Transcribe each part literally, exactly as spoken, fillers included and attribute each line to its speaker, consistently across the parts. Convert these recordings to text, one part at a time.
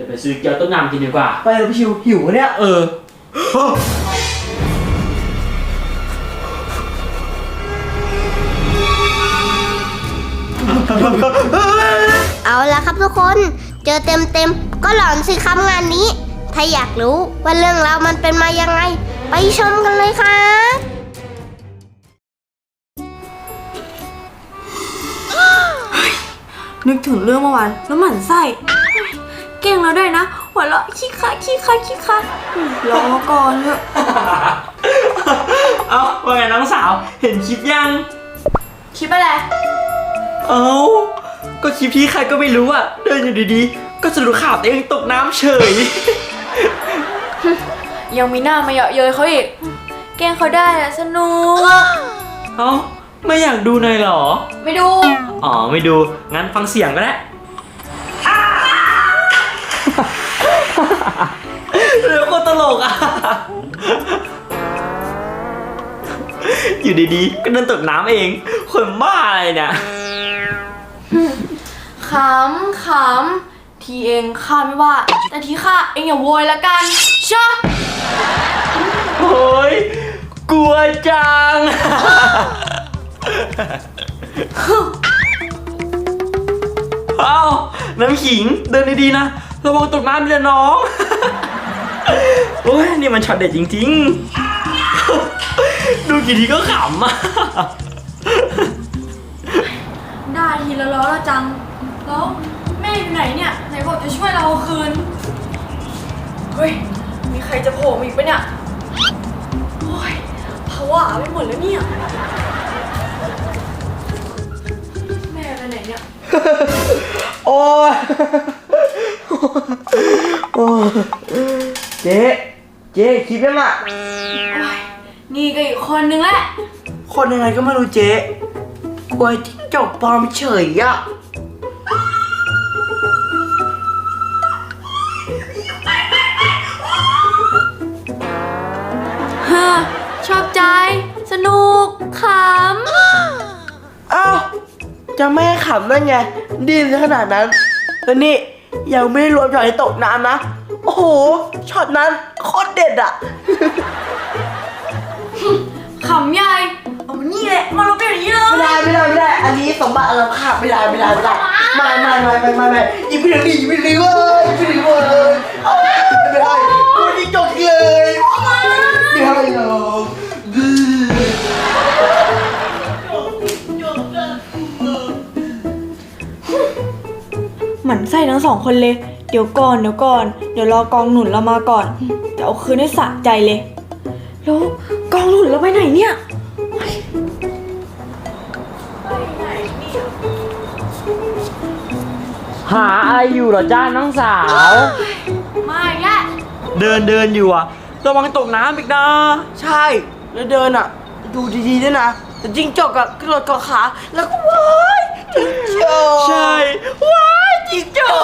Speaker 1: ดี๋ยวไปซื้อเกี๊ยวต้มยำกินดีกว่า
Speaker 2: ไปเลยพี่ชิวหิวเนี่ย
Speaker 1: เออ
Speaker 3: เอาละครับทุกคนเจอเต็มเต็มก็หลอนสิครับงานนี้ถ้าอยากรู้ว่าเรื่องราวมันเป็นมายังไงไปชมกันเลยครับ
Speaker 4: นึกถึงเรื่องเมื่อวานแล้วหมั่นไส้เก่งเราด้วยนะหัวเราะขี้คะขี้คะขี้คะรอก่อนเถอะ
Speaker 1: เอ้าว่าไงน้องสาวเห็นคลิปยัง
Speaker 4: คลิปอะไร
Speaker 1: เอ้าก็คลิปที่ใครก็ไม่รู้อ่ะเดินอยู่ดีๆก็สะดุดขาตัวเองตกน้ำเฉย
Speaker 4: ยังมีหน้ามาเยาะเย้ยเขาอีกแกล้งเขาได้อะสนุก
Speaker 1: เอ้าไม่อยากดูหน่อยเหรอ
Speaker 4: ไม่ดู
Speaker 1: อ๋อไม่ดูงั้นฟังเสียงก็ได้เรื่องโคตรตลกอ่ะอยู่ดีๆก็เดินตกน้ำเองคนบ้าอะไรเนี่ย
Speaker 4: ขำขำทีเองข้าไม่ว่าแต่ทีข้าเองอย่าโวยละกันชะ
Speaker 1: โอ้ยกลัวจังเอ้าน้ำขิงเดินดีๆนะระวังตกน้ำเลยน้องโอ้ยนี่มันช็อตเด็ดจริงๆดูกี่ทีก็ขำอ่ะ
Speaker 4: ได้ทีละล้อละจังแล้วแม่อยู่ไหนเนี่ยไหนบอกจะช่วยเราเอาคืนเฮ้ยมีใครจะโผล่มาอีกปะเนี่ยโอ้ยผวาไปหมดแล้วเนี่ยแม่ไปไหนเนี่ย
Speaker 2: โอ้ยโอ้เจ๊เจ๊คิดยังอ่ะ
Speaker 4: นี่ก็อีกคนนึงแหละ
Speaker 2: คนยังไงก็ไม่รู้เจ๊กลัวจิ้งจกปลอมเฉยอ่ะ
Speaker 4: ฮ่าชอบใจสนุกขำ
Speaker 2: เอ้าจะไม่ให้ขำได้ไงดีซะขนาดนั้นแล้วนี่ยังไม่ได้รวมช็อตที่ตกน้ำนะโอ้โหช็อตนั้นโคตรเด็ดอ่ะ
Speaker 4: ขำใหญ่เอามานี่แหละมาลบเดี๋ยวนี้เลย
Speaker 2: ไม่ได้ไม่ได้ไม่ได้อันนี้สมบัติเราขาดไม่ได้ไม่ได้ไม่ได้ไม่ไม่ไม่ไม่ไม่ไม่ยิบไปเลยยิบไปเลยเว้ยยิบไปเลยเว้ยไม่ได้ตัวนี้จบเลยไม่ได้หรอก
Speaker 4: หมั่นไส้ทั้งสองคนเลยเดี๋ยวก่อนเดี๋ยวก่อนเดี๋ยวรอกองหนุนเรามาก่อนจะเอาคืนให้สะใจเลยแล้วกองหนุนเราไปไหนเนี่ย
Speaker 1: หาอะไรอยู่เหรอจ้าน้องสาว
Speaker 4: ไม่แย่
Speaker 1: เดินเดินอยู่อ่ะระวังตกน้ำอีกนะ
Speaker 2: ใช่แล้วเดินอ่ะดูดีๆด้วยนะแต่จิ้งจกอ่ะกระโดดเกาะขาแล้วก็ว้ายจิ้งจก
Speaker 1: ใช่ว้ายจิ้งจก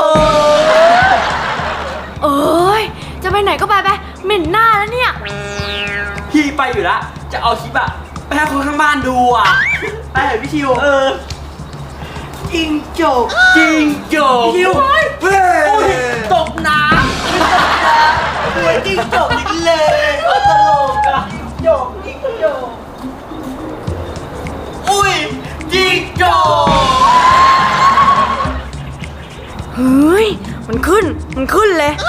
Speaker 4: เอ้ยจะไปไหนก็ไปไปเหม็นหน้าแล้วเนี่ย
Speaker 1: พี่ไปอยู่ละจะเอาคลิปอะไปให้คนข้างบ้านดูอ่ะ
Speaker 2: ไปเถอะพี่ชิว
Speaker 1: เออ
Speaker 2: จิ้งจก
Speaker 1: จิ้งจก
Speaker 2: พี่ชิวเฮ้ย
Speaker 1: ตกน้ำ
Speaker 2: ตัวจิ้งจกอีกเลย
Speaker 1: ตลกอะ
Speaker 2: จกจิ้งจก
Speaker 1: อุ้ยจิ้งจก
Speaker 4: เฮ้ยมันขึ้นมันขึ้นเลย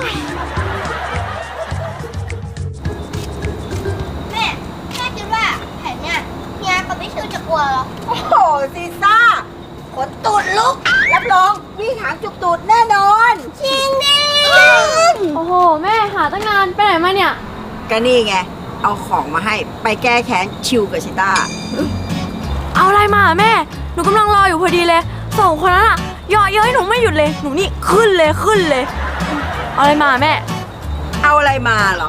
Speaker 3: แม่แม่คิดว่าแผนเนี่ยเฮียกับพี่ชิวจะกลัวเหรอ
Speaker 5: โอ้โหซีซ่าขนตูดลุกรับรองวิ่งหางจุกตูดแน่นอน
Speaker 3: จริงดิ
Speaker 4: โอ้โหแม่หาตั้งนานไปไหนมาเนี่ย
Speaker 5: ก็นี่ไงเอาของมาให้ไปแก้แค้นชิวกับชิต้า
Speaker 4: เอาอะไรมาแม่หนูกำลังรออยู่พอดีเลยสองคนนั้นอะเยาะเย้ยหนูไม่หยุดเลยหนูนี่ขึ้นเลยขึ้นเลยเอาอะไรมาแม่
Speaker 5: เอาอะไรมาเหรอ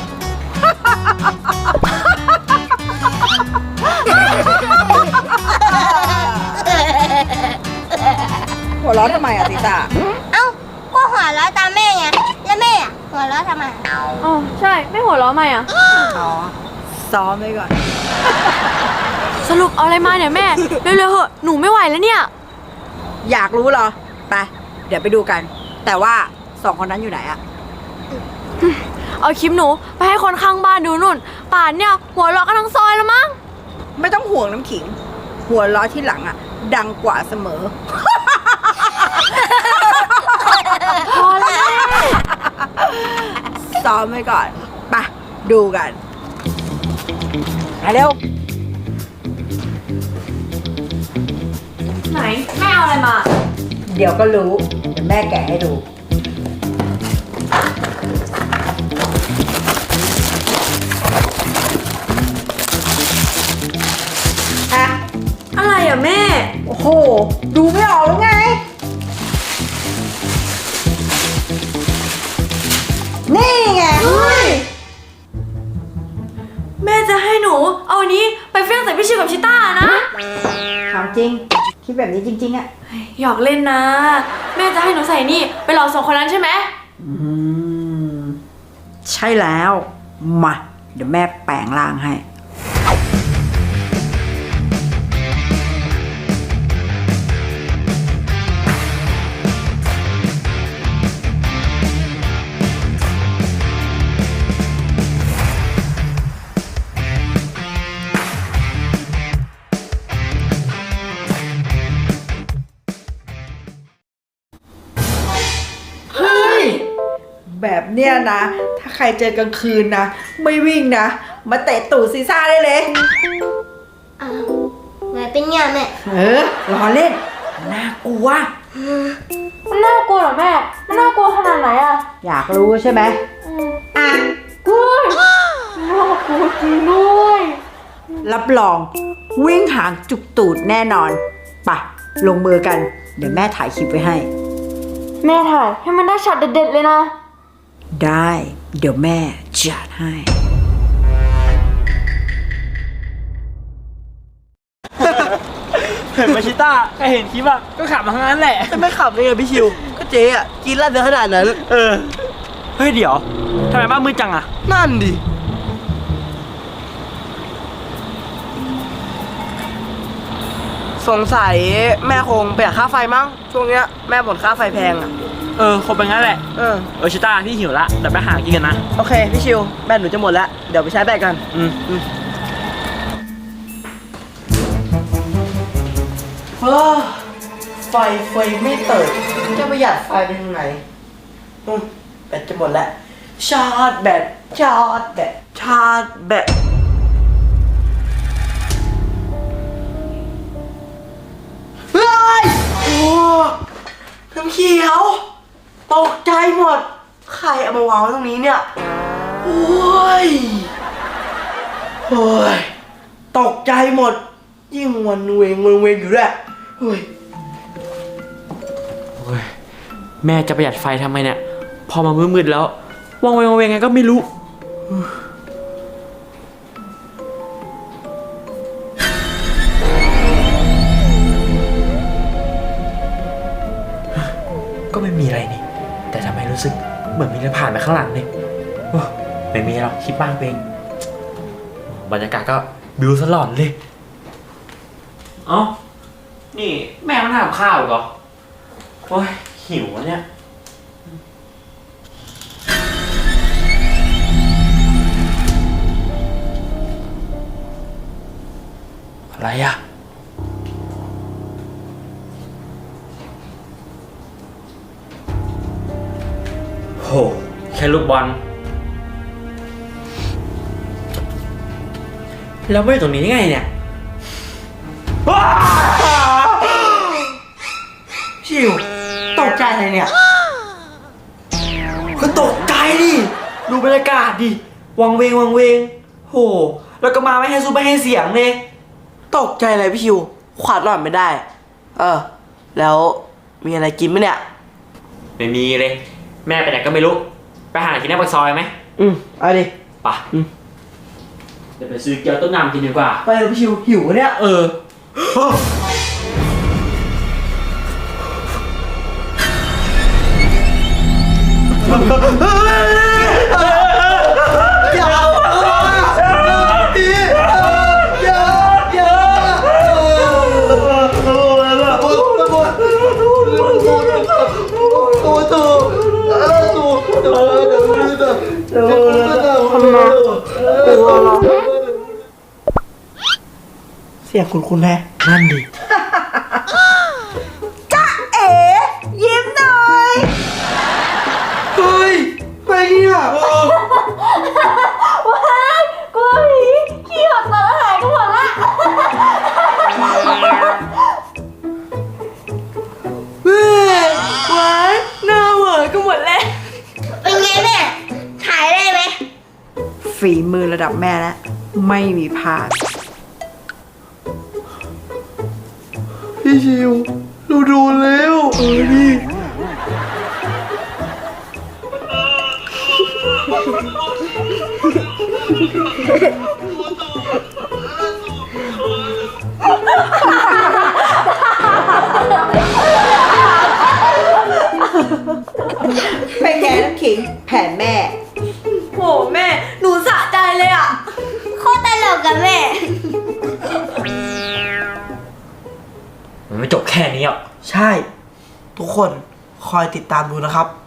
Speaker 5: หัวเราะทำไมอะติต้า
Speaker 3: เอ้าก็หัวเราะตามแม่ไงแล้วแม่อะหัวเราะทำไม
Speaker 4: อ๋อใช่ไม่หัวเราะไหมอะ
Speaker 5: อ๋อซ้อมไว้ก่อน
Speaker 4: สรุปเอาอะไรมาเนี่ยแม่เร็วๆเหอะหนูไม่ไหวแล้วเนี่ย
Speaker 5: อยากรู้เหรอไปเดี๋ยวไปดูกันแต่ว่าสองคนนั้นอยู่ไหนอะ
Speaker 4: เอาคลิปหนูไปให้คนข้างบ้านดูนุ่น ป่านเนี่ยหัวเราะกันทั้งซอยแล้วมั้ง
Speaker 5: ไม่ต้องห่วงน้ำขิง หัวล้อที่หลังอะดังกว่าเสมอ
Speaker 4: พอแล้ว
Speaker 5: ซ้อมไว้ก่อนไปดูกันมาเร็ว
Speaker 4: ไหนแม่เอาอะไรมา
Speaker 5: เดี๋ยวก็รู้เดี๋ยวแม่แกะให้ดูอะ
Speaker 4: อะไรอ่ะแม่
Speaker 5: โอ้โห ดูไม่ออกหรือไง นี่ไง
Speaker 4: แม่จะให้หนูเอาอันนี้ไปเฟี้ยงใส่พี่ชิวกับชิต้านะ
Speaker 5: ถามจริง คิดแบบนี้จริง ๆอะ
Speaker 4: หยอกเล่นนะ แม่จะให้หนูใส่นี่ไปหลอกสองคนนั้นใช่ไหม
Speaker 5: อืม ใช่แล้ว มา เดี๋ยวแม่แปลงร่างให้ เฮ้ย แบบเนี้ยนะ ถ้าใครเจอกลางคืนนะ ไม่วิ่งนะ มาเตะตูดซีซ่าได้เลย
Speaker 3: อ้าวไงเป็นไงแม่
Speaker 5: เออล้อเล่น น่ากลัว
Speaker 4: มันน่ากลัวเหรอแม่ มันน่ากลัวขนาดไหนอ่ะ
Speaker 5: อยากรู้ใช่ไหมอ่ะ
Speaker 4: เฮ้ยน่ากลัวจริงด้วย
Speaker 5: รับรอง วิ่งหางจุกตูดแน่นอนไปลงมือกัน เดี๋ยวแม่ถ่ายคลิปไว้ให้
Speaker 4: แม่ถ่ายให้มันได้ช็อตเด็ดๆเลยนะ
Speaker 5: ได้ เดี๋ยวแม่จัดให้
Speaker 1: เห็นมาชิต้าใครเห็นคลิปอ่ะก็ขำมาทั้งนั้นแหละ
Speaker 2: จะไม่ขับได้ไงพี่ชิว ก็เจ๊อ่ะ กินเหล้าเยอะขนาดนั้น
Speaker 1: เออ เฮ้ยเดี๋ยวทำไมบ้านมืดจังอ่ะ
Speaker 2: นั่นดิ สงสัยแม่คงประหยัดค่าไฟมั้ง ช่วงเนี้ยแม่บ่นค่าไฟแพงอ่ะ
Speaker 1: เออคงเป็นงั้นแหละ
Speaker 2: เออ
Speaker 1: เออชิต้าพี่หิวละเดี๋ยวไปหากินกันนะ
Speaker 2: โอเค พี่ชิว แบตหนูจะหมดแล้ว เดี๋ยวไปใช้แบตกัน
Speaker 1: อืม
Speaker 2: อืมเฮ้อไฟไฟไม่เติดจะประหยัดไฟไปทางไหนอืมแบตจะหมดแล้ว ชาร์จแบต ชาร์จแบต ชาร์จแบต เฮ้ย โอ้น้ำเขียว ตกใจหมด ใครเอามาวางไว้ตรงนี้เนี่ย โอ้ย โอ้ย ตกใจหมด ยิ่งวันเวงวันเวงอยู่แหละเฮ้ย
Speaker 1: โอ้ยแม่จะประหยัดไฟทำไมเนี่ย พอมามืดๆแล้ววางเวงวางเวงไงก็ไม่รู้ ก็ไม่มีอะไรนี่ แต่ทำไมรู้สึกเหมือนมีอะไรผ่านไปข้างหลังเนี่ยโอ้ไม่มีหรอกคิดบ้างเองบรรยากาศก็บิวสลอนเลย เอ้า นี่แม่มันทำข้าวอีกเหรอ โอ้ยหิวอะเนี่ย อะไรอะโห แค่ลูกบอล แล้วไม่อยู่ตรงนี้ได้ไงเนี่ย
Speaker 2: ชิว ตกใจอะไรเนี่ย
Speaker 1: ก็ตกใจดิ ดูบรรยากาศดิ วังเวงวังเวง โห แล้วก็มาไม่ให้ซูไม่ให้เสียงเลย
Speaker 2: ตกใจอะไรพี่ชิว ขวาดหล่อนไม่ได้ เออ แล้วมีอะไรกินไหมเนี่ย
Speaker 1: ไม่มีเลย แม่ไปไหนก็ไม่รู้ ไปหากินหน้าปากซอยไหม
Speaker 2: อืมเอาดิ
Speaker 1: ไปะ
Speaker 2: อืม
Speaker 1: เดี๋ยวไปซื้อเกี๊ยวต้มยำกินดีกว่า
Speaker 2: ไปเลยพี่ชิว หิวเนี่ย
Speaker 1: เออ
Speaker 2: อย่าอย่าอย่าอย่าตัวตัวตัวตัวเสียงคุณคุณแม่
Speaker 1: นั่นดิ
Speaker 5: เอ๋ยิ้มหน่อย
Speaker 2: เฮ้ยไปเนี่ย
Speaker 4: ว้ายกลัวผีขี้หดตาหายกันหมดละ
Speaker 2: เฮ้ยว้ายหน้าเหวอกันหมดเลย
Speaker 3: เป็นไงแม่ ถ่ายได้ไหม
Speaker 5: ฝีมือระดับแม่แล้ว ไม่มีพลาด
Speaker 2: พี่ชิวเราโดนแล้วเออดิ
Speaker 5: เป็นไงน้ำขิง แผนแม่
Speaker 4: โหแม่ หนูสะใจเลยอ่ะ
Speaker 3: โคตรตลกกับแม่
Speaker 1: มันไม่จบแค่นี้หรอก
Speaker 2: ใช่ ทุกคนคอยติดตามดูนะครับ